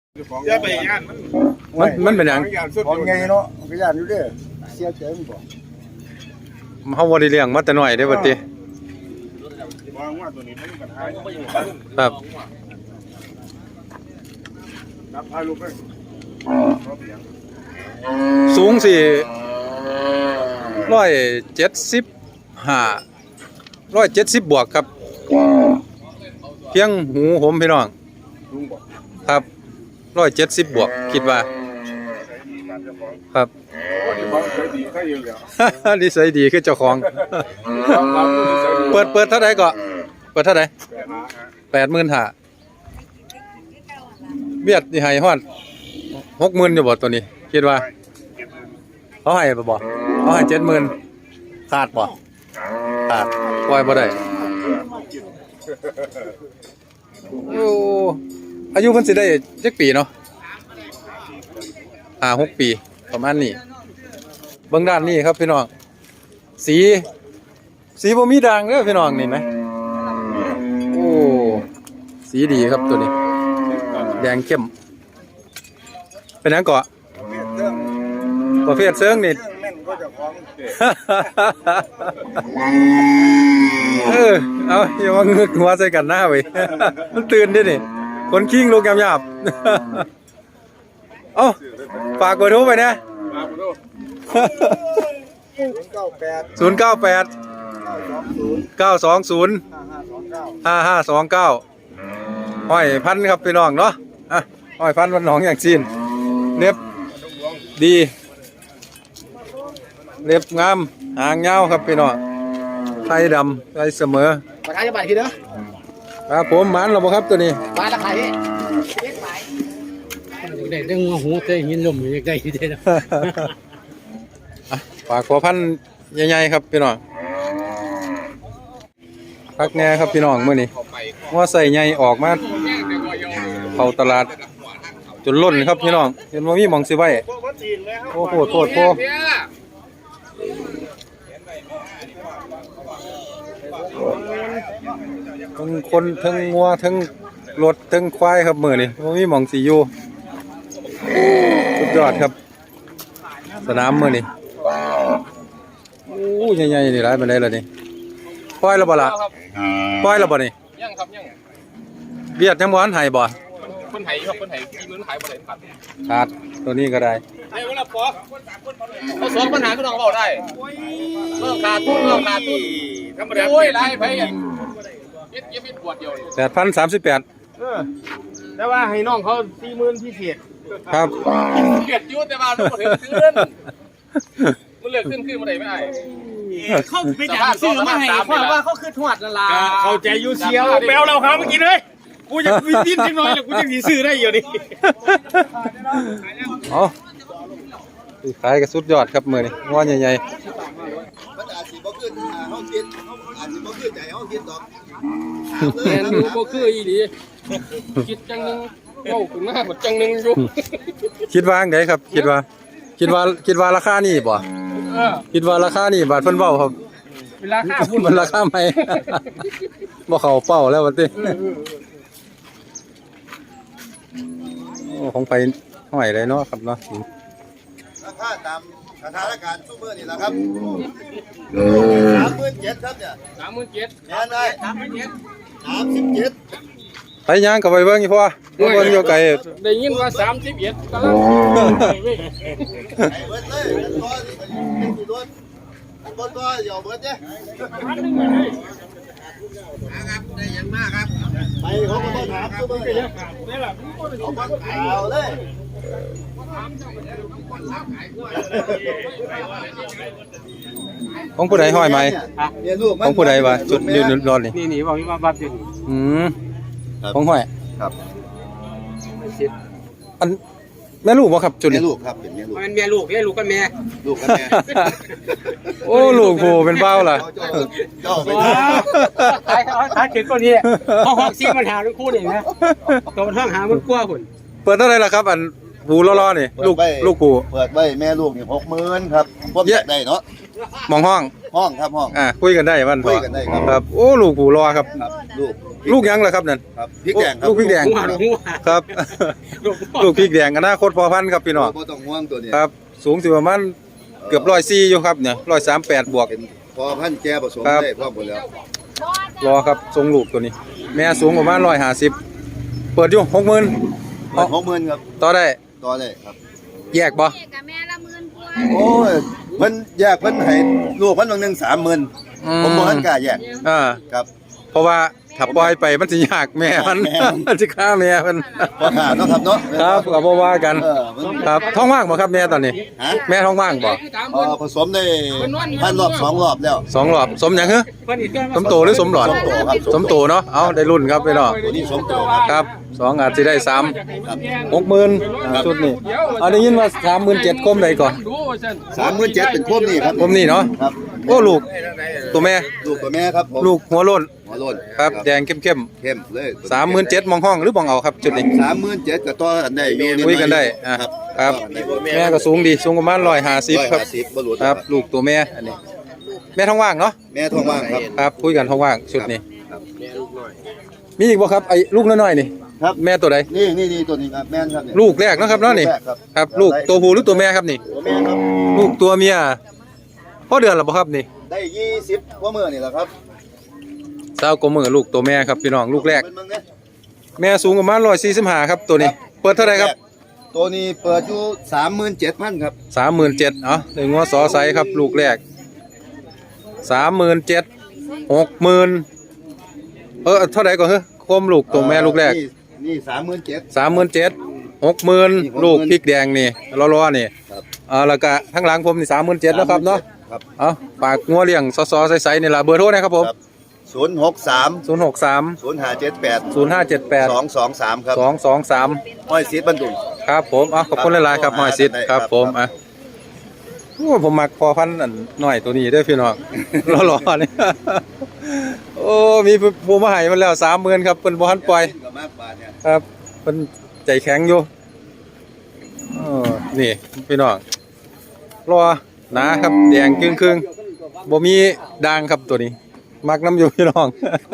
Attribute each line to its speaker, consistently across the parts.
Speaker 1: อย่าไปย่าน
Speaker 2: มันเป็นหยัง
Speaker 3: ของไงเนาะก็ย่านอยู่เด้อเสียใจมันบ่
Speaker 2: เฮาบ่ได้เลี้ยงมาแต่น้อยเด้อบัดนี้
Speaker 1: วางว่าตัวนี้มันปัญหา
Speaker 2: ครับ
Speaker 1: นับพาลูกไป
Speaker 2: สูงสิ170บวกครับเพียงหูผมพี่น้องครับ170บวกคิดว่าครับนิสัยดีคือเจ้าของเปิดเท่าไหร่ก็เปิดเท่าไหร่85,000เบียดนี่ให้ฮอด60,000อยู่บ่ตัวนี้คิดว่าเขาให้บ่เขาให้70,000ขาดบ่ขาดปล่อยบ่ได้โอ้อายุเพิ่นสิได้จักปีเนาะ5-6 ปีประมาณนี้เบิ่งด้านนี้ครับพี่น้องสีบ่มีด่างเด้อพี่น้องนี่ไหมโอ้สีดีครับตัวนี้แดงเข้มเป็นหยังเกาะประเภทเซิงนี่เอาอย่ามาเงือกหัวใส่กันหน้าเว้ยมันตื่นดินี่คนคิงลูกยำเอ้าฝากเบอร์โทรไปนะ098 920 5529ห้อยพันครับพี่น้องเนาะห้อยพันวันหนองอย่างจีนเล็บดีเล็บงามหางยาวครับพี่น้องไทยดำไทยเสมอ
Speaker 4: ราคาจะบาททีเด้อ
Speaker 2: ครับผมมันหรอครับตัวนี้
Speaker 4: บาทราคาที่ได้เรื่องหูเตยยินลมอยากได้ทีเดียว
Speaker 2: ฝากขอพันใหญ่ๆครับพี่น้องพักแน่ครับพี่น้องมื้อนี้ว่าใส่ใหญ่ออกมาเข้าตลาดจนล้นครับพี่น้องเห็นว่ามีหม่องสิไว้โอ้โหโทษทั้งคนทั้งงัวทั้งรถทั้งควายครับมื้อนี้ว่ามีหม่องสิอยู่สุดยอดครับสนามมื้อนี้โอ้ใหญ่ๆนี่หลายปานใดล่ะนี่ปล่อยแล้วบ่ล่ะปล่อยแล้วบ่นี่
Speaker 1: ยังครับยัง
Speaker 2: เบียดยังบ่ทันให้บ่
Speaker 1: คนไห้ครับคนไห้40,000ขายบ่ได้
Speaker 2: ขาดตัวนี้ก็ได้
Speaker 1: ไอ้เวลาปอเขาสอนปัญหาก็ต้องเว้าได้เรื่องขาดทุนธรรมดาโอ้ยหลายไผเย็บปวดเดียว
Speaker 2: 8,038
Speaker 1: แต่ว่าให้น้องเขา40,000พิเศษ
Speaker 2: ครับ
Speaker 1: เกียดอยู่แต่ว่าบ่ถึงซื้อมันเลือกขึ้นบ่ได้ไม่ได้
Speaker 4: เขาไปด่าซื้อมาให้เพราะว่าเขาคือทวดนั่นล่ะ
Speaker 1: เข้าใจอยู่เชียวแปลวเราเขาเมื่อกี้เลยกูจะวินจังน้อยแล้วกูจะสิซื้อได้อยู่นี่
Speaker 2: อ๋อขายก็สุดยอดครับมื้อนี้งอใหญ่ๆ
Speaker 3: มันอาจสิบ่ขึ้นเฮาคิดอาจสิบ่ขึ้นใจเฮาคิดดอก
Speaker 4: แม่นอยู่บ่คืออีหลีคิดจังนึงเว้าขึ้นมาบ่จังนึงอยู่
Speaker 2: คิดว่าจังไดครับคิดว่าราคานี่บ่คิดว่าราคานี่บาทเพิ่นเว้าครับ
Speaker 4: ราคาพุ่น
Speaker 2: มันราคาใหม่บ่เข้าเป้าแล้วบัดนี้โอ้ของไปห้อยเลยเนาะครับเนาะ
Speaker 3: ราคาตามสถานการณ์ซุมื้อนี่ล่ะครับ37,000ครับเนี่ย
Speaker 4: 37,000
Speaker 3: แม่นได้37,000
Speaker 2: ไปย่างก็ไปเบิ่งอีพ่อเบิ่งอยู่ไกล
Speaker 4: ได้ยินว่า31กำลัง
Speaker 3: ไอ้เบิดเลยตัวนี่สิโดนบ่ตัวเดี๋ยวเบิดเด้ครับได้ยังมากครับไปเขาก็บ่ถามซุมื้อนี่ได้ล่ะเอาเลย
Speaker 2: ของผู้ใดห้อยไหมของผู้ใดวะจุดยืนรอด
Speaker 4: นี่บอกว่าบับอยู่
Speaker 2: ของห้อย
Speaker 3: ครับ
Speaker 2: อันแม่ลูกบ่ครับจุดนี้
Speaker 3: แม่ลูกครับเป็นแม่ลูก
Speaker 4: มันแม่ลูกกับแม่
Speaker 2: โอ้ลูกผู้เป็นเบ้าล่ะ
Speaker 3: เจ้าไป
Speaker 4: ขายเก็บตัวนี้เขาฮอกซี่มันหาลูกคู่นี่นะตัวมันห้างหามันกลัวพุ่น
Speaker 2: เปิดเท่าไหร่ล่ะครับอันผูล้อๆนี่ลูกผู
Speaker 3: เปิดไว้แม่ลูกนี่60,000ครับพวกแยกได้เนาะ
Speaker 2: มองห้อง
Speaker 3: ครับห้อง
Speaker 2: คุยกันได้มัน
Speaker 3: คุยกันได้
Speaker 2: ครับโอ้ลูกผูล้อครับ
Speaker 3: ลูก
Speaker 2: ลูกยังล่ะครับนั่น
Speaker 3: ครับพริกแดงครับ
Speaker 2: ลูกพริกแดง
Speaker 4: หัวหัว
Speaker 2: ครับ ลูกพริกแดงอนาคตพอพันธุ์ครับพี่น้อง
Speaker 3: บ่ต้องห่วงตัวนี้
Speaker 2: ครับสูงสิประมาณเกือบ104อยู่ครับเนี่ย138บวก
Speaker 3: เป็นพอพันธุ์แก่ผสม
Speaker 2: ครับ
Speaker 3: ได้พร้อมหมดแล้ว
Speaker 2: รอครับทรงลูกตัวนี้ แม่สูงประมาณ150เปิดอยู่60,000
Speaker 3: 60,000ครับ
Speaker 2: ต่อได้
Speaker 3: ต่อได้ครับ
Speaker 2: แยกบ่
Speaker 5: กับแม่ละ10,000กว่า
Speaker 3: โอ้ยเพิ่นแยกเพิ่นให้ลูกเพิ่นบางหนึง30,000ผมบ่ทันกล้าแยก
Speaker 2: อ่า
Speaker 3: ครับ
Speaker 2: เพราะว่าถ้าปล่อยไปมันสิยากแม่มัน
Speaker 3: แม่มัน
Speaker 2: มันสิฆ่าแม่มัน
Speaker 3: พอขาดเนาะครับเนาะ
Speaker 2: ครับก็บ่ว่ากัน
Speaker 3: มัน
Speaker 2: ครับท้องว่างบ่ครับแม่ตอนนี้
Speaker 3: ฮะ
Speaker 2: แม่ท้องว่างบ่
Speaker 3: ผสมได้พันรอบ2รอบแล้ว
Speaker 2: สองรอบสมหยังฮะ
Speaker 4: เพิ่นอีกเรื่อง
Speaker 2: สมโตหรือสมหลอด
Speaker 3: สมโตครับ
Speaker 2: สมโตเนาะเอาได้รุ่นครับพี่น้อง
Speaker 3: ตัวนี้สมโตครับ
Speaker 2: ครับสองอาจสิได้3 60,000ชุดนี้เอาได้ยินว่า37,000คมใดก่อน
Speaker 3: 37,000เป็นโคมนี่ครับ
Speaker 2: คมนี่เนาะ
Speaker 3: ครับ
Speaker 2: โอ้ลูกตัวแม่
Speaker 3: ลูกตัวแม่ครับผม
Speaker 2: ลูกหัวโล้น
Speaker 3: หัวโลน
Speaker 2: ครับแดงเข้ม
Speaker 3: เข้มเลย
Speaker 2: 37,000มองห้องหรือมองเอาครับจุดนี้
Speaker 3: 37,000ก็ต่อกันได้อยู่
Speaker 2: คุยกันได้อ่ะครับแม่ก็สูงดีสูงประมาณ150ครับ
Speaker 3: 150บ่หลุด
Speaker 2: ครับลูกตัวแม่อันนี้ แม่ท้องว่างเนาะ
Speaker 3: แม่ท้องว่างครับ
Speaker 2: ครับคุยกันท้องว่างชุดนี้มีอีกบ่ครับไอ้ลูกน้อยๆนี่
Speaker 3: ครับ
Speaker 2: แม่ตัวใด
Speaker 3: นี่ตัวนี้ครับแม่นครับเนี่ย
Speaker 2: ลูกแรกเนาะครับเนาะนี่
Speaker 3: ลูกแรกครับ
Speaker 2: ครับลูกตัวผู้หรือตัวแม่ครับนี่
Speaker 3: ตัวแม่ครับ
Speaker 2: ลูกตัวเมียพ่อเดือนหรือเปล่าครับนี่
Speaker 3: ได้20กว่ามื้อนี่แหละครับ
Speaker 2: 20 กว่ามื้อลูกตัวแม่ครับพี่น้องลูกแรก
Speaker 3: เบิ่งเด้อ
Speaker 2: แม่สูงประมาณ145ครับตัวนี้ เปิดเท่าไหร่ครับ
Speaker 3: ตัวนี้เปิดอยู่37,000ครับ
Speaker 2: 37,000เอ้าได้งัวสอไซครับลูกแรก37,000 60,000เท่าไหร่ก่อนเฮ้ยโคมลูกตัวแม่ลูกแรก
Speaker 3: นี่37,000
Speaker 2: 37,000 60,000ลูกพริกแดงนี่ล้อๆนี่
Speaker 3: ครับ
Speaker 2: แล้วก็ข้างหลังผมนี่37,000แล้วครับเนาะ
Speaker 3: ครับ
Speaker 2: เอาฝากงัวเลี้ยงซอๆใสๆนี่ล่ะเบอร์โทรนะครับผม
Speaker 3: ครับ063
Speaker 2: 063
Speaker 3: 0578
Speaker 2: 0578
Speaker 3: 223ครับ
Speaker 2: 223
Speaker 3: ห้อยซีดบรรดุง
Speaker 2: ครับผมขอบคุณหลายๆครับหอยซิดครับผมโอ้ผมมักพอพันธุ์อันหน่อยตัวนี้เด้อพี่น้อง รอๆนี่ โอ้มีผู้มาให้มันแล้ว30,000ครับเพิ่นบ่ทันปล่อย
Speaker 3: กับมากบาทเนี่ย
Speaker 2: ครับเพิ่นใจแข็งอยู่นี่พี่น้องรอหนาครับแดงครึ่งๆบ่มีด่างครับตัวนี้ มักน้ำอยู่พี่น้อง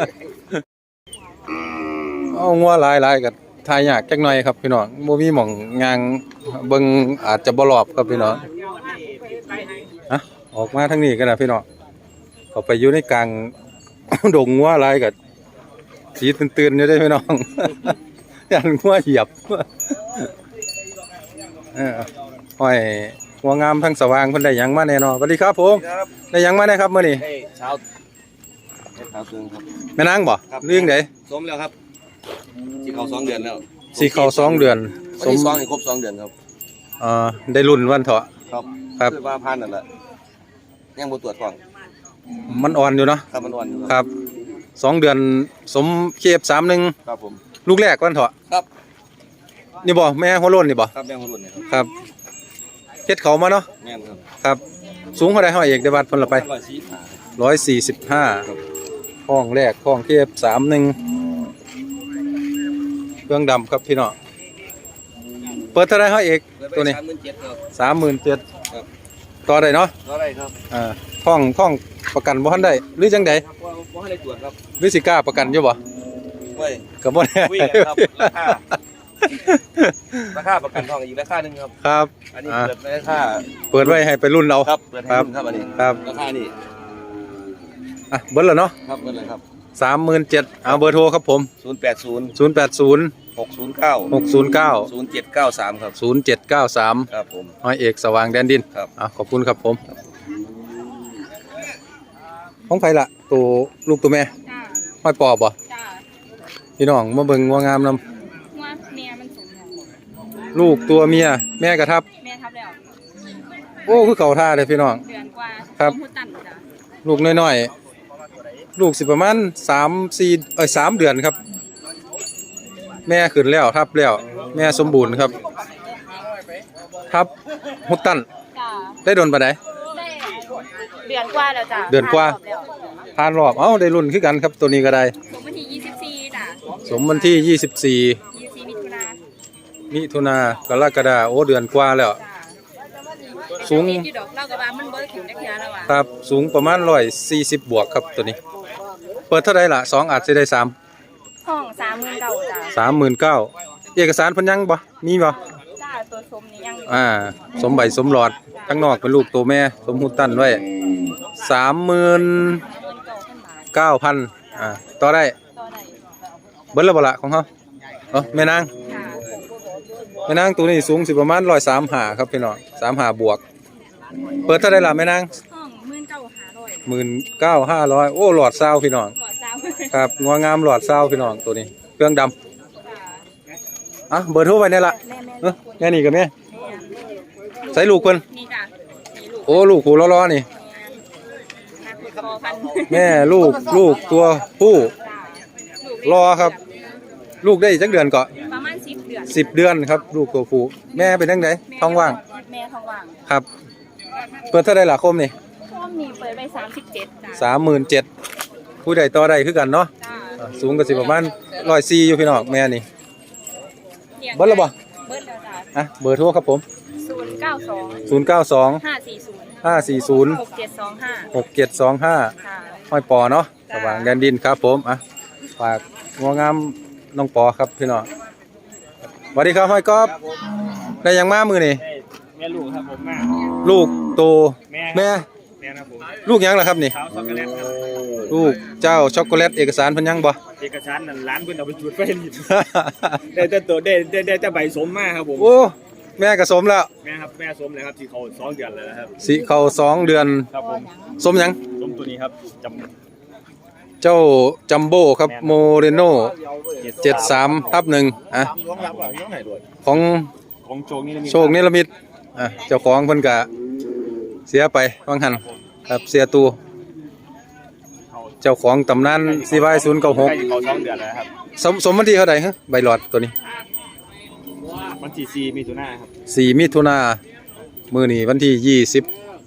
Speaker 2: เอางัวหลายๆก็ทายยากจักหน่อยครับพี่น้องบ่มีหม่องงางเบิ่งอาจจะบ่รอบครับพี่น้องอะออกมาทางนี้กันนะพี่น้องเข้าไปอยู่ในกลาง ดงงัวหลายก็สีตื่นๆอยู่เด้อพี่น้อง ยันงัวเหยียบ ห้อยงัวงามทั้งสว่างเพิ่นได้หยังมาแน่นอนสวัสดีครับผมได้หยังมาแน่ครับมื้อนี้
Speaker 3: เช้าซึงครับ
Speaker 2: แม่นางบ่เรื่องใด
Speaker 6: สมแล้วครับที่เขา2 เดือนแล้ว
Speaker 2: สิเข้า2 เดือน
Speaker 6: วันที่2นี่ครบ2 เดือนครับ
Speaker 2: ได้รุ่นวันเถาะ
Speaker 6: ครับ
Speaker 2: ครับ
Speaker 6: คือว่าพันนั่นแหละยังบ่ตรวจก่อน
Speaker 2: มันอ่อนอยู่เนาะ
Speaker 6: ครับมันอ่อนอยู่
Speaker 2: ครับ2 เดือนสมเคฟ31
Speaker 6: ครับผม
Speaker 2: ลูกแรกวันเถาะ
Speaker 6: ครับ
Speaker 2: นี่บ่แม่หัวโล้นนี่บ่
Speaker 6: ครับแม่งรุ่นนี่ครับ
Speaker 2: ครับเฮ็ดเขามาเนาะ
Speaker 6: แม่นครับ
Speaker 2: ครับ สูงเท่าใดห้อยเอกได้บัดเพิ่นละไป
Speaker 6: 145
Speaker 2: 145ห้องแรกห้องเคฟ31เครื่องดำครับพี่น้องเปิดเท่าใดห้อยเอกตัวนี้
Speaker 6: 37,000ครับ
Speaker 2: 37,000
Speaker 6: ครับ
Speaker 2: ต่อได้เนาะ
Speaker 6: เท่าไหร่ครับ
Speaker 2: ห้องประกันบ่ทันได้หรือจังใด
Speaker 6: บ่ให้ได้ตรวจครับ
Speaker 2: หรือสิกล้าประกันอยู่บ่
Speaker 6: เว้ย
Speaker 2: ก็บ่แน่
Speaker 6: คุยกันครับราคาประกันทองอีกราคาหนึงครับ
Speaker 2: ครับ
Speaker 6: อันนี้
Speaker 2: อ่า
Speaker 6: เปิดราคา
Speaker 2: เปิดไว้ให้ไปรุ่นเรา
Speaker 6: ครับเปิดให้รุ่นครับอันนี้
Speaker 2: ครับ
Speaker 6: ราคานี่
Speaker 2: เบิดแล้วเนาะ
Speaker 6: ครับเปิดเลยครับ
Speaker 2: 37,000เอาเบอร์โทรครับผม
Speaker 6: 080
Speaker 2: 080
Speaker 6: 609
Speaker 2: 609
Speaker 6: 0793ครับ
Speaker 2: 0793
Speaker 6: ครับผม
Speaker 2: ห้อยเอกสว่างแดนดิน
Speaker 6: ครับ
Speaker 2: ขอบคุณครับผมของไผล่ะตัวลูกตัวแม่
Speaker 5: จ้า
Speaker 2: ห้อยปอบบ่
Speaker 5: จ้า
Speaker 2: พี่น้องมาเบิ่งงัวงามนำ
Speaker 5: ว่าแม่มันสมแล้ว
Speaker 2: ลูกตัวเมียแม่กระทับ
Speaker 5: แม่ทับแล้ว
Speaker 2: โอ้คือเขาท่าเลยพี่น้อง
Speaker 5: เดือนกว่า
Speaker 2: ครับ
Speaker 5: สมมุติตันจ้า
Speaker 2: ลูกน้อยๆลูกสิประมาณ3 เดือนครับ แม่ขึ้นแล้วทับแล้ว แม่สมบูรณ์ครับ ทับฮุตตัน
Speaker 5: จ้า
Speaker 2: ได้โดนปานใด
Speaker 5: ได้เดือนกว่าแล้วจ้า
Speaker 2: เดือนกว่า ผ่านรอบได้รุ่นคือกันครับตัวนี้ก็ได้
Speaker 5: สมวันที่24จ้า
Speaker 2: สมวันที่
Speaker 5: 24มิถุนา
Speaker 2: มิถุนากรกฎาเดือนกว่าแล้ว
Speaker 5: จ้า
Speaker 2: สูง
Speaker 5: มีอยู่ดอกเราก็ว่ามันบ่ได้ถึงจักเทื่อแล้วว่ะ
Speaker 2: ครับสูงประมาณ140บวกครับตัวนี้ เปิดเท่าไรล่ะ2อาจจะได้3 39,000เอกสารเพิ่นยังบ่มีบ่
Speaker 5: จ้าตัวสมนี่ยัง
Speaker 2: สมใบสมหลอดทั้งนอกเป็นลูกตัวแม่สมหูตั้นไว้39,000 ต่อได้
Speaker 5: ต่อได้
Speaker 2: เบิดแล้วบ่ล่ะของเฮาแม่นาง
Speaker 5: ค่ะ
Speaker 2: แม่นางตัวนี้สูงสิประมาณ135ครับพี่น้อง35บวกเปิดเท่าใดล่ะแม่นาง
Speaker 5: ห้อง19,500
Speaker 2: 19,500โอ้หลอดซาวพี่น้อง
Speaker 5: ก่อเจ้า
Speaker 2: ครับงัวงามหลอดซาวพี่น้องตัวนี้เครื่องดำเบอร์โทรไว้นี่ล่ะแม่นี่กับแม่ใส่ลูกเพิ่น
Speaker 5: นี่จ้ะนี่ลูก
Speaker 2: โอ้ลูกหูล้อๆนี่
Speaker 5: นักคอพัน
Speaker 2: แม่ลูกตัวผู้รอครับ ลูกได้จักเดือนก็
Speaker 5: ประมาณ10 เดือน
Speaker 2: 10 เดือนครับลูกตัวผู้แม่เป็นจังไดท้องว่าง
Speaker 5: แม่ท้องว่าง
Speaker 2: ครับเปิดเท่าใดล่ะคมนี่
Speaker 5: ช่วงนี้เปิดไป37จ้ะ
Speaker 2: 37,000ผู้ใดต่อได้คือกันเนาะ
Speaker 5: จ้า
Speaker 2: สูงก็สิประมาณ104อยู่พี่น้องแม่นี่เบิดแล้วบ่
Speaker 5: เบิดแล้วจ้ะ
Speaker 2: เบอร์โทรครับผม
Speaker 5: 092
Speaker 2: 092
Speaker 5: 540
Speaker 2: 540
Speaker 5: 6725
Speaker 2: 6725
Speaker 5: ค่ะ
Speaker 2: ห้อยปอเนาะสว่างแดนดินครับผมฝากงัวงามน้องปอครับพี่น้องสวัสดีครับห้อยกอบได้ยังมามือนี่
Speaker 4: แม่ลูกครับผมแม่
Speaker 2: ลูกโตแม่
Speaker 4: แม่ครับผม
Speaker 2: ลูกยังล่ะครับนี่
Speaker 4: สาวช็อกโกแลตครับ
Speaker 2: ลูกเจ้าช็อกโกแลตเอกสารเพิ่นยังบ่
Speaker 4: เอกสารนั่นร้านเพิ่นเอาไปจุดไฟลิบได้แต่ตัวได้แต่ใบสมมาครับผม
Speaker 2: โอ้แม่ก็สมแล้ว
Speaker 4: แม่ครับแม่สมเลยครับที่เขา2 เดือนแล้วนะครับ
Speaker 2: สิเข้า2 เดือน
Speaker 4: ครับผม
Speaker 2: สมยัง
Speaker 4: สมตัวนี้ครับจ
Speaker 2: เจ้าจัมโบ้ครับโมเรโน่73/1ของ
Speaker 4: ของโชคนี่มี
Speaker 2: โชคนิรมิตเจ้าของเพิ่นก็เสียไปวังหันครับเสียตูเจ้าของตำนานCY096
Speaker 4: ใกล้จะเข้า2 เดือนแล้วครับ
Speaker 2: สมวันที่เท่าใดฮะใบหลอดตัวนี้
Speaker 4: วันที่4 มิถุนายนครับ
Speaker 2: 4 มิถุนามื้อนี้วันที่27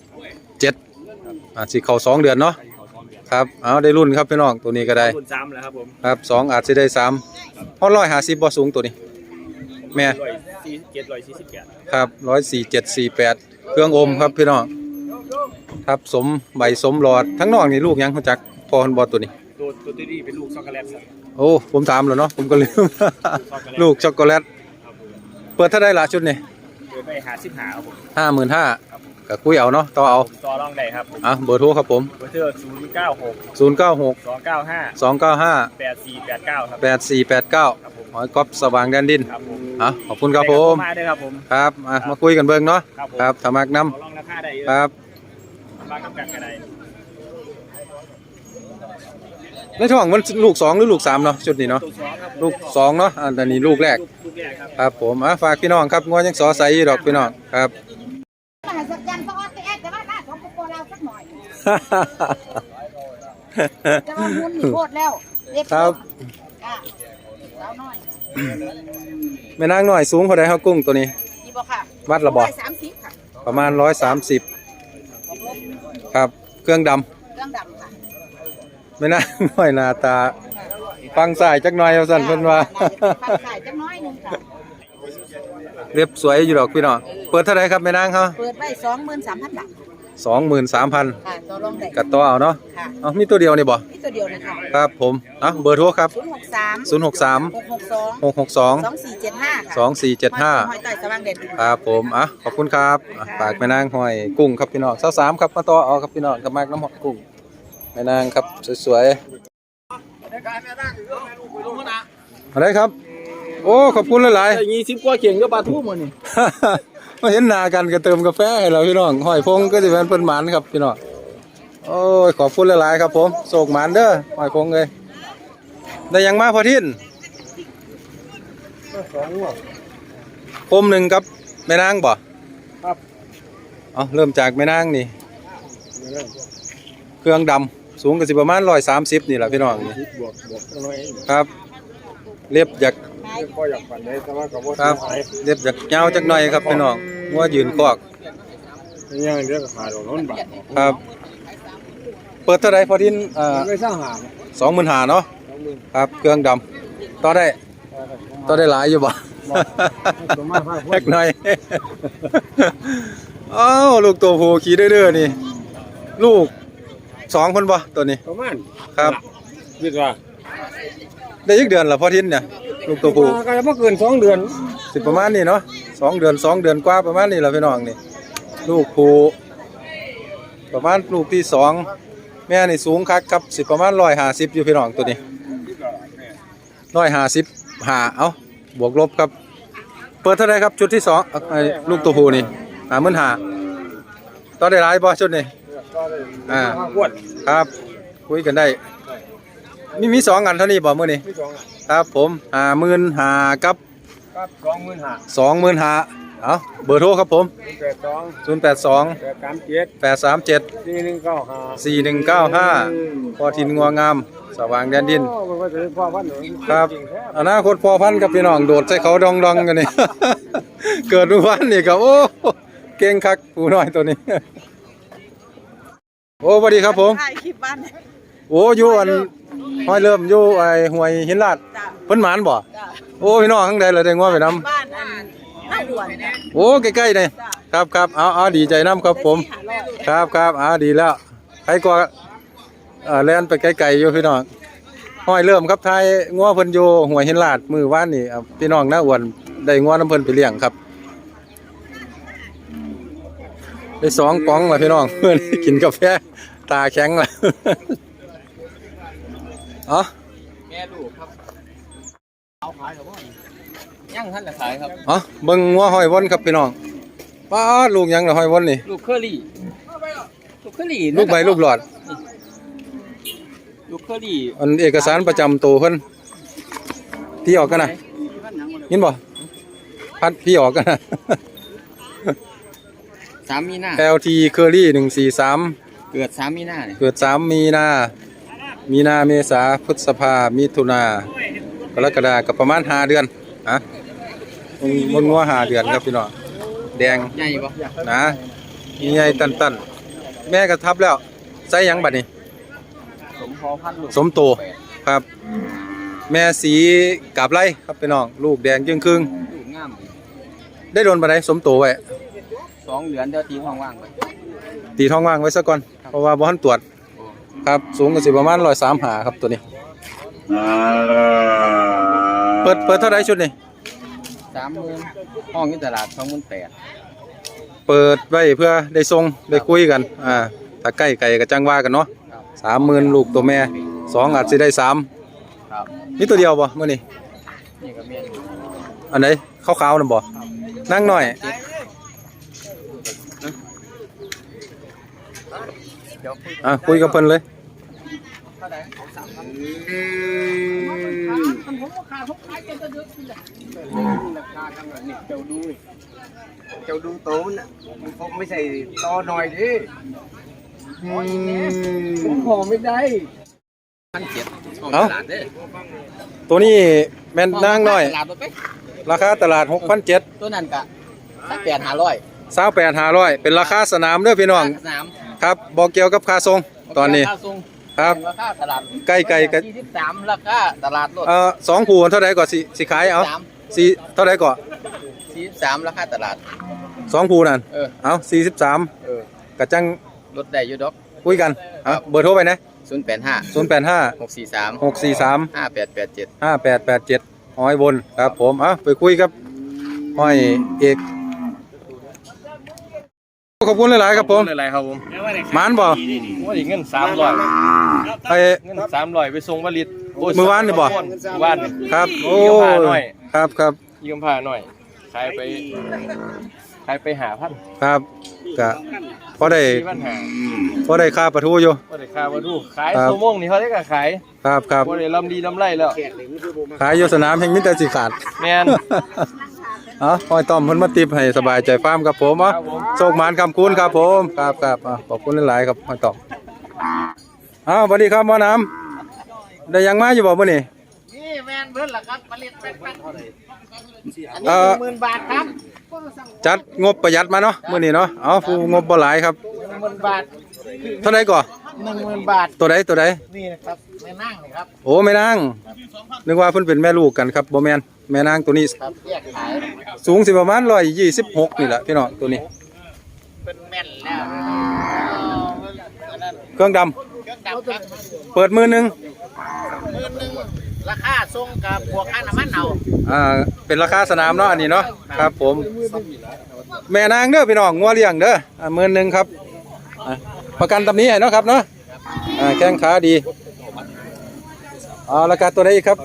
Speaker 2: สิเข้า2 เดือนเนาะ
Speaker 4: เข้า2 เดือน
Speaker 2: ครับเอาได้รุ่นครับพี่น้องตัวนี้ก็ได้
Speaker 4: รุ่น3แล้วครับผม
Speaker 2: ครับ2อาจสิได้3ฮอด150บ่สูงตัวนี้แม่
Speaker 4: 147
Speaker 2: ครับ14748เครื่องอมครับพี่น้องครับสมใบสมหลอดทั้งนอกนี่ลูกหยังรู้จักพอเพิ่นบ่ตัวนี้
Speaker 4: ตัวนี้เป็นลูกช็อกโกแลตครับ
Speaker 2: โอ้ผมถามแล้วเนาะผมก็ลืม ลูกช็อกโกแลต
Speaker 4: ครับผม
Speaker 2: เปิดเท่าได้ละชุดนี่
Speaker 4: เปิดไป55ครับผม
Speaker 2: 55,000ก็คุยเอาเนาะต่อเอา
Speaker 4: ต่อรองได้ครับผม
Speaker 2: เบอร์โทรครับผม
Speaker 4: เบอร์เทอร์
Speaker 2: 096
Speaker 4: 096 295
Speaker 2: 295
Speaker 4: 8489ครับ
Speaker 2: 8489หอยก๊อฟสว่างแดนดิน
Speaker 4: ครับผม
Speaker 2: ขอบคุณครับผม
Speaker 4: มาด้วยครับผม
Speaker 2: ครับมาคุยกันเบิ่งเนาะ
Speaker 4: ครับผม
Speaker 2: ครับถ้ามักน้
Speaker 4: ขอลองราคาได้
Speaker 2: ำครับ
Speaker 4: บางกำกันกันได้
Speaker 2: ในท้องมันลูก2หรือลูก3เนาะชุดนี้เนาะ
Speaker 4: ตัว2ครับ
Speaker 2: ลูก2เนาะอันนี้ลูกแรก
Speaker 4: ลูกแรกครับ
Speaker 2: ครับผมฝากพี่น้องครับงัวยังสอใสอยู่ดอกพี่น้องครับ
Speaker 7: มหัศจรรย์พระออสแอดแต่ว่าหน้าของโกโก้เราสักหน่อยจะมาหุ้นนี่โคตรแล้วเด็ก
Speaker 2: ครับ
Speaker 7: สาวน้อย
Speaker 2: แม่นางน้อยสูงเท่าใดเฮากุ้งตัวนี้
Speaker 7: ดีบ่ค่ะ
Speaker 2: วัดละบ่
Speaker 7: 130ค่ะ
Speaker 2: ประมาณ130ครับเครื่องดำ
Speaker 7: เครื่องดำค่ะ
Speaker 2: ไม่น่า น้อยหน้าตาฟังสายจักหน่อยเอาสั่นเพิ่นว่า
Speaker 7: ฟังสายจังน้อยหนึงค่ะ
Speaker 2: เรียบสวยอยู่ดอกพี่น้องเปิดเท่าไหร่ครับแม่นางเขา
Speaker 7: เปิดไว้23,000 บาท
Speaker 2: 23,000
Speaker 7: ค่ะต่อรองได้
Speaker 2: กัดต่อเอาเนาะ
Speaker 7: ค่ะ
Speaker 2: มีตัวเดียวนี่บ่
Speaker 7: นี่ตัวเดียวนะคะ
Speaker 2: ครับผมเบอร์โทรครับ
Speaker 7: 063
Speaker 2: 662
Speaker 7: 662
Speaker 2: 2475
Speaker 7: หอยต่อยสว่างเด่น
Speaker 2: ครับผมขอบคุณครับฝากแม่นางหอยกุ้งครับพี่น้อง23ครับมาต่อเอาครับพี่น้องกับมากน้ำหอยกุ้งแม่นางครับสวยๆอะไรครับ โอ้ขอบคุณหลายๆ
Speaker 4: 20กว่าเข่งก็ปลาทูมื้อนี่
Speaker 2: มาเห็นหน้ากันก็เติมกาแฟให้เราพี่น้องหอยพงก็จะเป็นเพิ่นหมานครับพี่น้องโอ้ยขอบคุณหลายๆครับผมโศกหมานเด้อหอยพงเลยได้ยังมาพอทินคมหนึ่งกับแม่นางบ่
Speaker 4: ครับ
Speaker 2: เริ่มจากแม่นางนี่เครื่องดำสูงก็สิประมาณ130นี่แหละพี่น้องนี่
Speaker 4: บวกน้อย
Speaker 2: ครับเรียบจาก
Speaker 4: ก็อยากปั่นได้แต่ว่าก็บ่
Speaker 2: ครับเรียบจากยาวจักหน่อยครับพี่น้องงัวยืนคอก
Speaker 4: ยังเรียกขาดอกนบาท
Speaker 2: ครับเปิดเท่าไหร่พอทิน
Speaker 4: ไม่สร้างหา
Speaker 2: 25,000เนาะครับเครื่องดำต่อได้หลายอยู่บ่
Speaker 4: ตัวมากภาค
Speaker 2: แพ็กหน่อย อ้าวลูกตัวผู้ขี่เด้อๆนี่ลูก2คนบ่ตัวนี้
Speaker 4: ประมาณ
Speaker 2: ครับ
Speaker 4: คิดว่า
Speaker 2: ได้อีกเดือนละพอทินเนี่ยลูกตัวผู้
Speaker 4: ก็จะบ่เกิน2 เดือน
Speaker 2: สิประมาณนี้เนาะ2 เดือนกว่าประมาณนี้แหละพี่น้องนี่ลูกผู้ประมาณลูกที่2แม่นี่สูงคักครับสิประมาณ150อยู่พี่น้องตัวนี้155เอ้าบวกลบครับเปิดเท่าไหร่ครับชุดที่2ไอ้ลูกตัวผู้นี่55,000ต่อได้หลายบ่ชุดนี้ครับคุยกันได้มี2อันเท่านี้บ่มื้อนี้ครับผม55,000กับ25,000เอ้าเบอร์โทรครับผม082 837 4195พอทินงัวงามสว่างแดนดินครับอนาคตพอพันกับพี่น้องโดดใส่เขาดองๆกันนี่ เกิดเมื่อวานนี่ก็โอ้เก่งคักผู้น้อยตัวนี้ โอ้สวัสดีครับผมถ่ายคลิปบ้านโอ้อยู่อันห้อยเริ่มอยู่ไอ้ห้วยหินลาดเพิ่นหมานบ่โอ้พี่น้องข้างใดเลยได้งัวไปนำบ้านอันน้าหวนโอ้ใกล้ๆนี่ครับเอาดีใจนำครับผมครับดีแล้วใครก็แล่นไปไกลๆอยู่พี่น้องห้อยเริ่มครับทายงัวเพิ่นอยู่ห้วยหินลาดมื้อวานนี่พี่น้องน้าอ้วนได้งัวน้ำเพิ่นไปเลี้ยงครับได้2ป๋องล่ะพี่น้องเพิ่นกินกาแฟตาแข็งล่ะอ๋อ
Speaker 1: แม่ลูกครับเอาขายหรือว่ายังท่านจะขายครับ
Speaker 2: อ๋อเบิ่งงัวห้อยวนครับพี่น้องป้าดลูกยังล่ะห้อยวนนี่
Speaker 1: ลูกเคอรี่
Speaker 2: ลูกใบลูกหลอด
Speaker 1: ลูกเคอรี่
Speaker 2: อันเอกสารประจำตัวเพิ่นพี่ออกกันนะยินบ่พัดพี่ออกกันนะ
Speaker 1: 3 มีนา
Speaker 2: LT Curry 143
Speaker 1: เกิด3 มีนาเนี่ย
Speaker 2: เกิด3 มีนาเมษาพฤษภามิถุนากรกฎาคมก็ประมาณ5 เดือนฮะมันงัว5 เดือนครับพี่น้องแดง
Speaker 1: ใหญ่ปะ
Speaker 2: นะมีใหญ่ตันแม่ก็ทับแล้วใส่หยังบัดนี้
Speaker 1: สมพอพันลูก
Speaker 2: สมโตครับ แม่สีกาบไล่ครับพี่น้องลูกแดงจึงครึ่ง
Speaker 1: ลูกงาม
Speaker 2: ได้โดนบัดใดสมโตไว้
Speaker 1: 2 เดือนเดี๋ยวตีห้องว่างไป
Speaker 2: ตีท้องว่างไว้ซะก่อนเพราะว่าบ่ทันตรวจครับสูงก็สิประมาณ135ครับตัวนี้เปิดเท่าไหร่ชุดนี้
Speaker 1: 30,000ห้องอยู่ตลาด 28,000
Speaker 2: เปิดไว้เพื่อได้ส่งได้คุยกันถ้าใกล้ไก่ก็จังว่ากันเนาะ 30,000ลูกตัวแม่2อาจสิได้3
Speaker 1: ครับ
Speaker 2: มีตัวเดียวบ่มื้อนี้
Speaker 1: นี่ก็แม่น
Speaker 2: อันไหนขาวๆนั่นบ่นั่งหน่อยคุยกับเพิ่นเลย
Speaker 4: ราคาขนาดนี้เจ้าดูโตน่ะมันคงไม่ใช่ตอหน่อยดิผมขอไม่ได้
Speaker 1: 1,700ห้องตลาดเด้อ
Speaker 2: ตัวนี้แม่นนั่งหน่อย
Speaker 1: ตลาดบ่ไป
Speaker 2: ราคาตลาด 6,700
Speaker 1: ตัวนั้นก็8,500
Speaker 2: 28,500เป็นราคาสนามเด้อพี่น้อง
Speaker 1: สนาม
Speaker 2: ครับบ่เกี่ยวกับค่าส่งตอนนี้
Speaker 1: ราคาส่ง
Speaker 2: ครับ
Speaker 1: ราคาตลาด
Speaker 2: ใกล้ๆกัน
Speaker 1: 43ราคาตลาดรถ
Speaker 2: 2ผู้เท่าใดก่อนสิขายเอา4เท่าใดก่อน
Speaker 1: 43ราคาตลาด
Speaker 2: 2ผู้นั่น เอา43
Speaker 1: เออ
Speaker 2: ก็จัง
Speaker 1: รถได้อยู่ดอก
Speaker 2: คุยกันเบอร์โทรไปนะ
Speaker 1: 085
Speaker 2: 085
Speaker 1: 643
Speaker 2: 643
Speaker 1: 5887
Speaker 2: 5887ห้อยบนครับผมไปคุยกับห้อยเอกขอบคุณหลายๆครับผม
Speaker 8: อะไรครับผม
Speaker 2: หมานบ่
Speaker 8: ว่าอีกเงิน300
Speaker 2: ไป
Speaker 8: เงิน300ไปส่งผลิต
Speaker 2: มื้อวานนี่บ่
Speaker 8: มื้อวานนี่
Speaker 2: ครับโอ้
Speaker 8: ยืมผ้าหน่อย
Speaker 2: ครับ
Speaker 8: ยืมผ้าหน่อยขายไป5,000
Speaker 2: ครับก็พอได้
Speaker 8: 4,500
Speaker 2: พอได้ค่าปลาทูอยู่
Speaker 8: บ่ได้ค่าวัตถุขาย
Speaker 2: ครับ
Speaker 8: ชั่วโมงนี่เขาได้ก็ขาย
Speaker 2: ครับ
Speaker 8: บ่ได้ลำดีลำไรแล้ว
Speaker 2: ขายอยู่สนามแห่งมิตรสิขาด
Speaker 8: แม่น
Speaker 2: ห้อยต้อมเพิ่นมาติบให้สบายใจฟาร์มครับผมโชคหมานคำคุณครับผมครับขอบคุณหลายๆครับห้อยต้อมสวัสดีครับหมอน้ำได้ยังมาอยู่บ่มื้อนี้
Speaker 4: นี่แมนเพิ่นล่ะครับผลิตเป็น10,000 บาทครับ
Speaker 2: จัดงบประหยัดมาเนาะมื้อนี้เนาะผู้งบบ่หลายครับ
Speaker 4: 10,000 บาท
Speaker 2: เท่าไหร่ก่อ
Speaker 4: 10,000 บาท
Speaker 2: ตัวใด
Speaker 4: นี่นะครับแม่นั่งนะครับ
Speaker 2: โอ้แม่นางนึกว่าเพิ่นเป็นแม่ลูกกันครับบ่แม่นแม่นางตัวนี้
Speaker 4: ครับแยกขาย
Speaker 2: สูงสิประมาณ126นี่แหละพี่น้องตัวนี้
Speaker 4: เป็นแม่นแล้ว
Speaker 2: เครื่องดำ
Speaker 4: เครื่องดำครับ
Speaker 2: เปิดมือหนึง
Speaker 3: ราคาส่งกับบวกค่าน้ำมันเอา
Speaker 2: เป็นราคาสนามเนาะอันนี้เนาะครับผมแม่นางเด้อพี่น้องงัวเลี้ยงเด้อ11,000ครับประกันตำนี้ให้เนาะครับเนาะแข้งขาดีราคาตัวไหนอีกครับ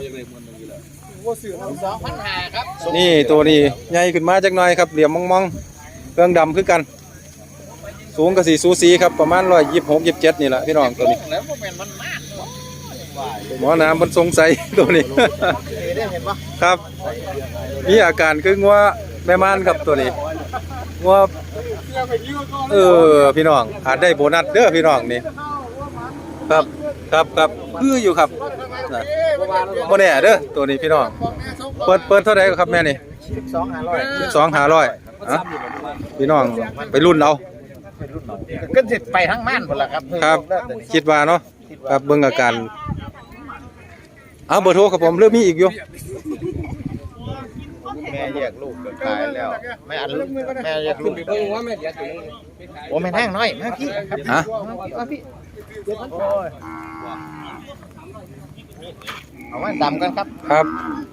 Speaker 3: 2,500 ครับ
Speaker 2: นี่ตัวนี้ใหญ่ขึ้นมาจักหน่อยครับเหลี่ยมมองๆเครื่องดำคือกันสูงกับสีสูสีครับประมาณ126-127นี่แหละพี่น้องตัวนี้
Speaker 3: แล้วบ่แม่นมันมาก
Speaker 2: หมอน้ำมันสงสัยตัวนี้
Speaker 3: ได้เห็นปะ
Speaker 2: ครับมีอาการคืองัวแม่ม่านครับตัวนี้งัวพี่น้องอาจได้โบนัสเด้อพี่น้องนี่ครับคืออยู่ครับโมแน่เด้อตัวนี้พี่น้องเปิดเท่าไหร่ครับแม่นี่12,500พี่น้องไปรุ่นเอา
Speaker 3: ก็สิไปทั้งม่านหมดละครับ
Speaker 2: ครับคิดว่าเนาะครับเบิ่งอาการเบอร์โทรครับผมเริ่มมีอีกอยู่
Speaker 3: แม่แยกลูกขายแล้วแม่อันแม่แยกลูกโอ้แม่แห้งน้อยมาพี่ครับมาพี่เอาไว้ดำกันครับ
Speaker 2: ครับ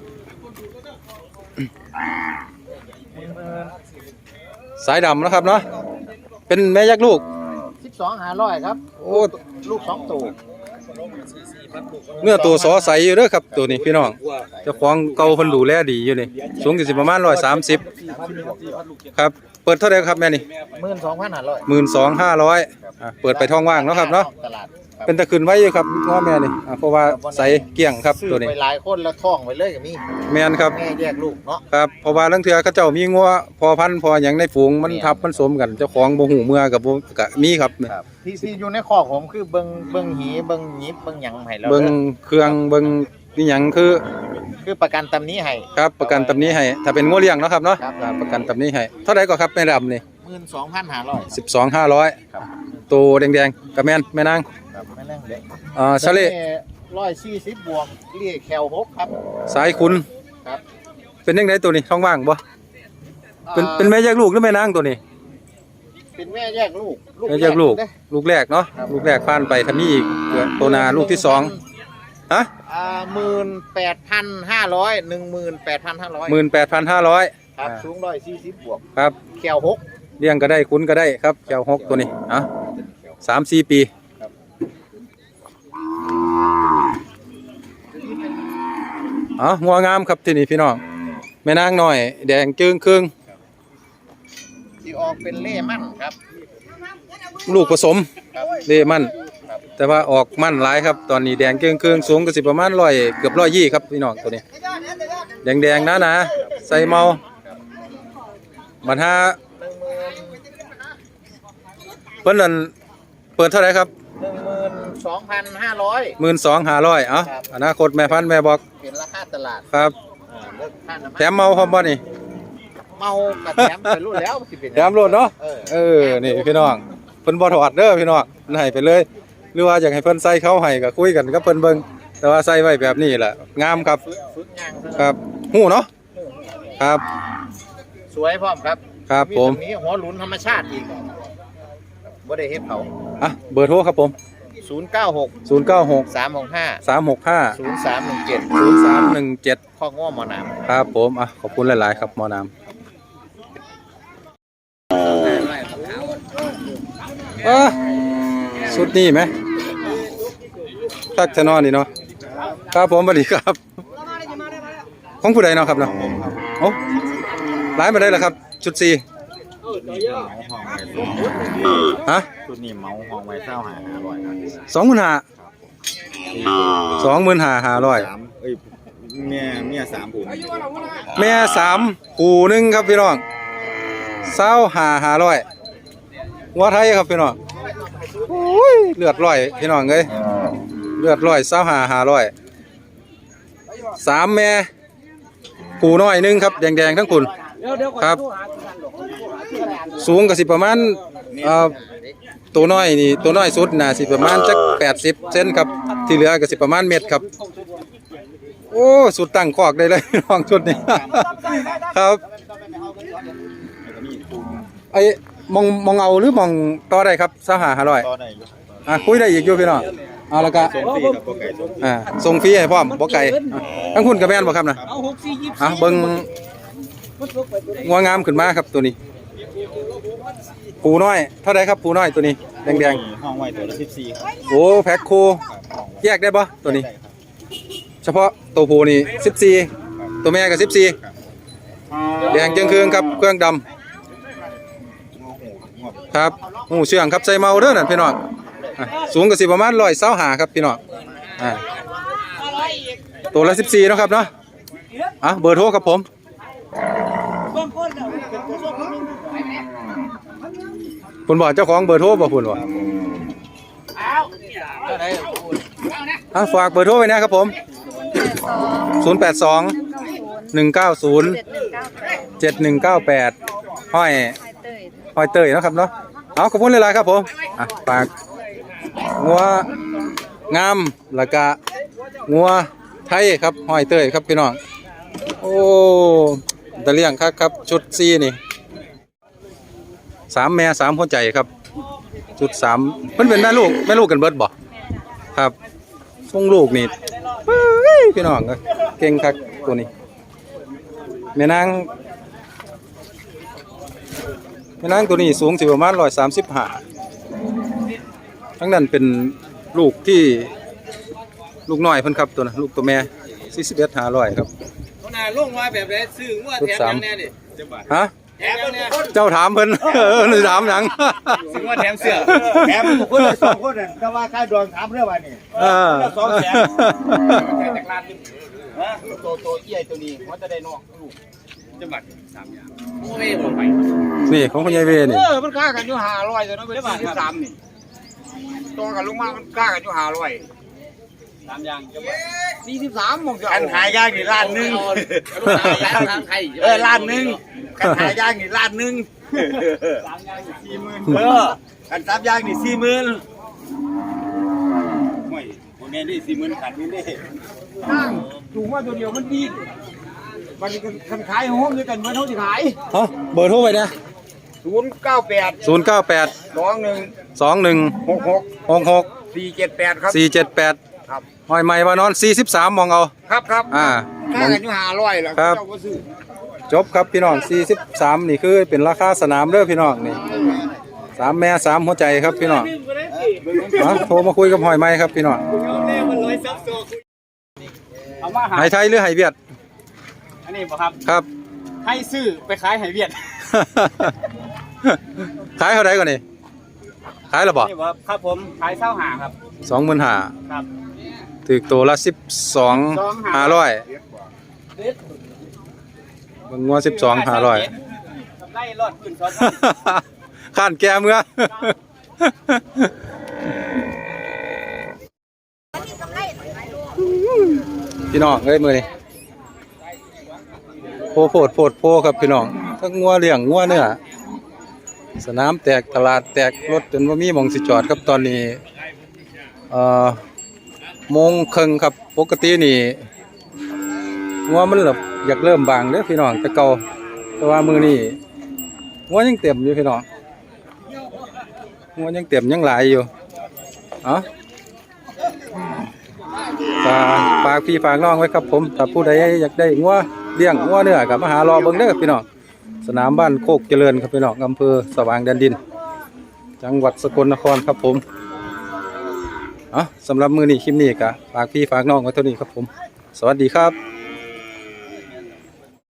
Speaker 2: สายดำนะครับเนาะเป็นแม่ยักษ์ลูก
Speaker 3: 12,500ครับ
Speaker 2: โอ้
Speaker 3: ลูก2ตัว
Speaker 2: เนื้อตัวสอใสอยู่เด้อครับตัวนี้พี่น้องเจ้าของเก่าเพิ่นดูแลดีอยู่นี่สูงสิประมาณ130ครับเปิดเท่าไหร่ครับแม่นี่
Speaker 3: 12,500
Speaker 2: 12,500เปิดไปท้องว่างเนาะครับเนาะ
Speaker 3: ตลาด
Speaker 2: เป็นตะขึ้นไว้อยู่ครับง้อแม่นี่เพราะว่าใสเกลี้ยงครับตัวนี้
Speaker 3: ไปหลายคนแล้วท่องไปเลยกับมี
Speaker 2: แม่นครับ
Speaker 3: แม่แยกลูกเนาะ
Speaker 2: ครับเพราะว่าลางเทื่อเขาเจ้ามีงัวพอพันธุ์พอหยังในฝูงมันทับมันสมกันเจ้าของบ่ฮู้เมื่อกับบ่ก็มีครับ
Speaker 3: ที่อยู่ในคอกผมคือเบิ่งหีเบิ่งหยิบเบิ่งหยังให้แล้ว
Speaker 2: เบิ่งเครื่องเบิ่งนี่หยังคือ
Speaker 3: ประกันตำนี้ให้
Speaker 2: ครับประกันตำนี้ให้ถ้าเป็นงัวเลี้ยงเนาะครับเนาะ
Speaker 3: ครับ
Speaker 2: ประกันตำนี้ให้เท่าไหร่ก็ครับแม่ดำนี่
Speaker 3: 12,500
Speaker 2: 12,500ตัวแดงๆกับแม่นาง
Speaker 3: ครับไม่นั่งเด็ก
Speaker 2: ชะเล
Speaker 3: 140บวกเรียกแคล6ครับ
Speaker 2: สายคุณ
Speaker 3: ครับ
Speaker 2: เป็นจังไดตัวนี้ท้องว่างบ่เป็นแม่แยกลูกหรือแม่นางตัวนี้
Speaker 3: เป็นแม่แยกลูก
Speaker 2: แม่แยกลูก
Speaker 3: เด้
Speaker 2: ลูกแรกเนาะลูกแรกผ่านไปถ้ามีอีกตัวนาลูกที่สองฮะ
Speaker 3: 18,500 18,500
Speaker 2: 18,500
Speaker 3: ครับสูง140บวก
Speaker 2: ครับ
Speaker 3: แคล6
Speaker 2: เลี้ยงก็ได้คุ้นก็ได้ครับแก้ว6ตัวนี้3-4 ปีงัวงามครับที่นี่พี่น้องแม่นางน้อยแดงจึงครึ่ง
Speaker 3: ที่ออกเป็นเล่มั่นครับ
Speaker 2: ลูกผสม
Speaker 3: ครับ
Speaker 2: เล่มันแต่ว่าออกมันหลายครับตอนนี้แดงจึงครึ่งสูงก็สิประมาณ100เกือบ120ครับพี่น้องตัวนี้แดงๆนะใส่เมาบัดหาเพิ่นนั่นเปิดเท่าไหร่ครับ
Speaker 3: 12,500
Speaker 2: 12,500อนาคตแม่พันธุ์แม่บอก
Speaker 3: เป็นราคาตลาด
Speaker 2: ครับ
Speaker 3: เลิกค่าน้ำมัน
Speaker 2: แถมเมาพร้อมบ่นี่
Speaker 3: เมากับแถมไปรุ่นแล้วสิเป็น
Speaker 2: แถมรถเนาะนี่พี่น้องเพิ่นบ่ถอดเด้อพี่น้องให้ไปเลยหรือว่าอยากให้เพิ่นใส่เข้าให้ก็คุยกันกับเพิ่นเบิ่งแต่ว่าใส่ไว้แบบนี้แหละงามครับ
Speaker 3: ฝึกงาน
Speaker 2: ครับฮู้เนาะครับ
Speaker 3: สวยพร้อมครับ
Speaker 2: ครับผม
Speaker 3: ตรงนี้หัวหลุนธรรมชาติอีกบ่ได้เฮ็ดเขา
Speaker 2: เบอร์โทรครับผม
Speaker 3: 096
Speaker 2: 096
Speaker 3: 365
Speaker 2: 365
Speaker 3: 0317
Speaker 2: 0317
Speaker 3: ข้อง้อหมอน้ำ
Speaker 2: ครับผมขอบคุณหลายๆครับหมอน้ำสุดนี้ไหมทักชะนอนนี่เนาะครับผมสวัสดีครับของผู้ใดเนาะครับเนาะโอ้ร้ายมาได้แล้วครับชุด4ฮะ
Speaker 3: ชุดนี้เมาห้องไว้เศร้าหา500ครับ
Speaker 2: 25,500
Speaker 3: เมีย3ผู้
Speaker 2: แม่3คู่หนึงครับพี่น้อง25,500งัวไทยครับพี่น้องโอ้ยเลือดร้อยพี่น้องเอ้ยเลือดร้อย25,500 3แม่คู่น้อยหนึงครับแดงๆทั้งคุณครับสูงก็สิประมาณตัวน้อยนี่ตัวน้อยสุดน่ะสิประมาณจัก80เซนครับที่เหลือก็สิประมาณเม็ดครับโอ้สุดตั้งคอกได้เลยน้องชุดนี้ ครับไอ้มองเอาหรือมองต่อได้ครับ25,500
Speaker 3: ต่อได้อยู่
Speaker 2: คุยได้อีกอยู่พี่น้องเอาแล้วก็
Speaker 3: ส่งฟรีกับพวกไก่ส่ง
Speaker 2: ส่งฟรีให้พร้อมบ่ไก่ทั้งคุณกับแม่นบ่ครับนะ
Speaker 4: เอา64 24
Speaker 2: เบิ่งงัวงามขึ้นมาครับตัวนี้ผูน้อยเท่าไรครับผูน้อยตัวนี้แดง
Speaker 3: ห้องไว้ตัวละ14ครับ
Speaker 2: ๆโอ้แพ็คคู่แยกได้บ่ตัวนี้ เฉพาะตัวผู้นี่14ตัวแม่ก็14แดงจึงคืองครับเครื่องดำครับหูเชื่องครับใส่เมาเด้อนั่นพี่น้องสูงก็สิประมาณ125ครับพี่น้องตัวละ14เนาะครับเนาะเบอร์โทรครับผมคุณบอกเจ้าของเบอร์โทรบ่คุณบ่ฝากเบอร์โทรไว้นะครับผม082 190 7198ห้อยเต้ยนะครับเนาะเอาขอบคุณหลายๆครับผมฝากงัวงามแล้วก็งัวไทยครับห้อยเต้ยครับพี่น้องโอ้ตะเลี่ยงครับชุดซีนี่3แม่3หัวใจครับชุด3เพิ่นเป็นแม่ลูกกันเบิดบ่ครับทรงลูกนี่พี่น้องเก่งคักตัวนี้แม่นางตัวนี้สูงสิประมาณ135ทั้งนั้นเป็นลูกที่ลูกน้อยเพิ่นครับตัวนะลูกตัวแม่41,500ครับ
Speaker 4: น่าลงมาแบบไหนซื้องัวแถมยังแน่นี่
Speaker 2: ฮะ
Speaker 4: แถมยังแน่
Speaker 2: เจ้าถามเพิ่นถามหยัง
Speaker 4: ซื้องัวแถมเสื้อ
Speaker 3: แถมคนละ2คนน่ะแต่ว่าค่าดวงถามเรื่องว่านี่200,000จากร้านนึงตัวเอี้ยตัวนี้มันจะได้นอกลูก
Speaker 4: จังหวัด3อย่างโอ้ยบ่ไป
Speaker 2: นี่ของคุณยายเวนี่
Speaker 3: มันค่ากันอยู่500ตัวนั้นเป็น43นี่ตัวกันลุงมามันค่ากันอยู่500
Speaker 4: 3อย่างจังหวัด
Speaker 3: 43มองอันหายากนี่ล้านนึง
Speaker 4: ทางไทย
Speaker 3: ล้านนึงกันหายากนี่ล้านนึง
Speaker 4: 3อย่าง40,000
Speaker 3: กัน3อย่างนี่40,000ไม่บ่แม่นได้40,000ขันนี่เด้นั่งถูกมาตัวเดียวมันดีมันคันขายโฮมด้วยกันเมื่อเท่าที่ขาย
Speaker 2: เบอร์โทรไว้นะ
Speaker 3: 098
Speaker 2: 098
Speaker 3: 21
Speaker 2: 21
Speaker 3: 66
Speaker 2: 66
Speaker 3: 478ครับ
Speaker 2: 478
Speaker 3: ครับ
Speaker 2: ห้อยใหม่มานอน43มองเอา
Speaker 3: ครับครับ
Speaker 2: ค่า
Speaker 3: กันอยู่500แล้ว
Speaker 2: ครับ
Speaker 3: เจ้าก็ซื้อ
Speaker 2: จบครับพี่น้อง43นี่คือเป็นราคาสนามเด้อพี่น้องนี่3แม่3หัวใจครับพี่น้องโทรมาคุยกับหอยใหม่ครับพี่น้อง
Speaker 4: เอามาหา
Speaker 2: ไหไทยหรือไหเวียด
Speaker 4: อันนี้บ่ครับ
Speaker 2: ครับ
Speaker 4: ให้ซื้อไปขายให้เวียด
Speaker 2: ขายเท่าไหร่ก่อนนี่ขายแล้วบ่
Speaker 4: นี่บ่ครับผมขาย25ครับ
Speaker 2: 25,000
Speaker 4: ครับ
Speaker 2: ถึกตัวละ12,500มันงัว12,500
Speaker 4: ไล่รอดขึ้นซ้อน
Speaker 2: ข้านแกเมื่อ พี่น้องเอ้ยมือนี่โพครับพี่น้องทั้งงัวเลี้ยงงัวเนื้อสนามแตกตลาดแตกรถจนว่ามีหม่องสิจอดครับตอนนี้โมงครึ่งครับปกตินี่งัวมันแบบอยากเริ่มบางเด้อพี่น้องแต่เก่าแต่ว่ามือนี่งัวยังเต็มอยู่พี่น้องงัวยังเต็มยังหลายอยู่ฝากพี่ฝากน้องไว้ครับผมถ้าผู้ใดอยากได้งัวเลี้ยงงัวเนื้อกับมาหารอเบิ่งเด้อพี่น้องสนามบ้านโคกเจริญครับพี่น้องอำเภอสว่างแดนดินจังหวัดสกลนครครับผมสำหรับมื้อนี้คลิปนี้ก็ฝากพี่ฝากน้องไว้เท่านี้ครับผมสวัสดีครับ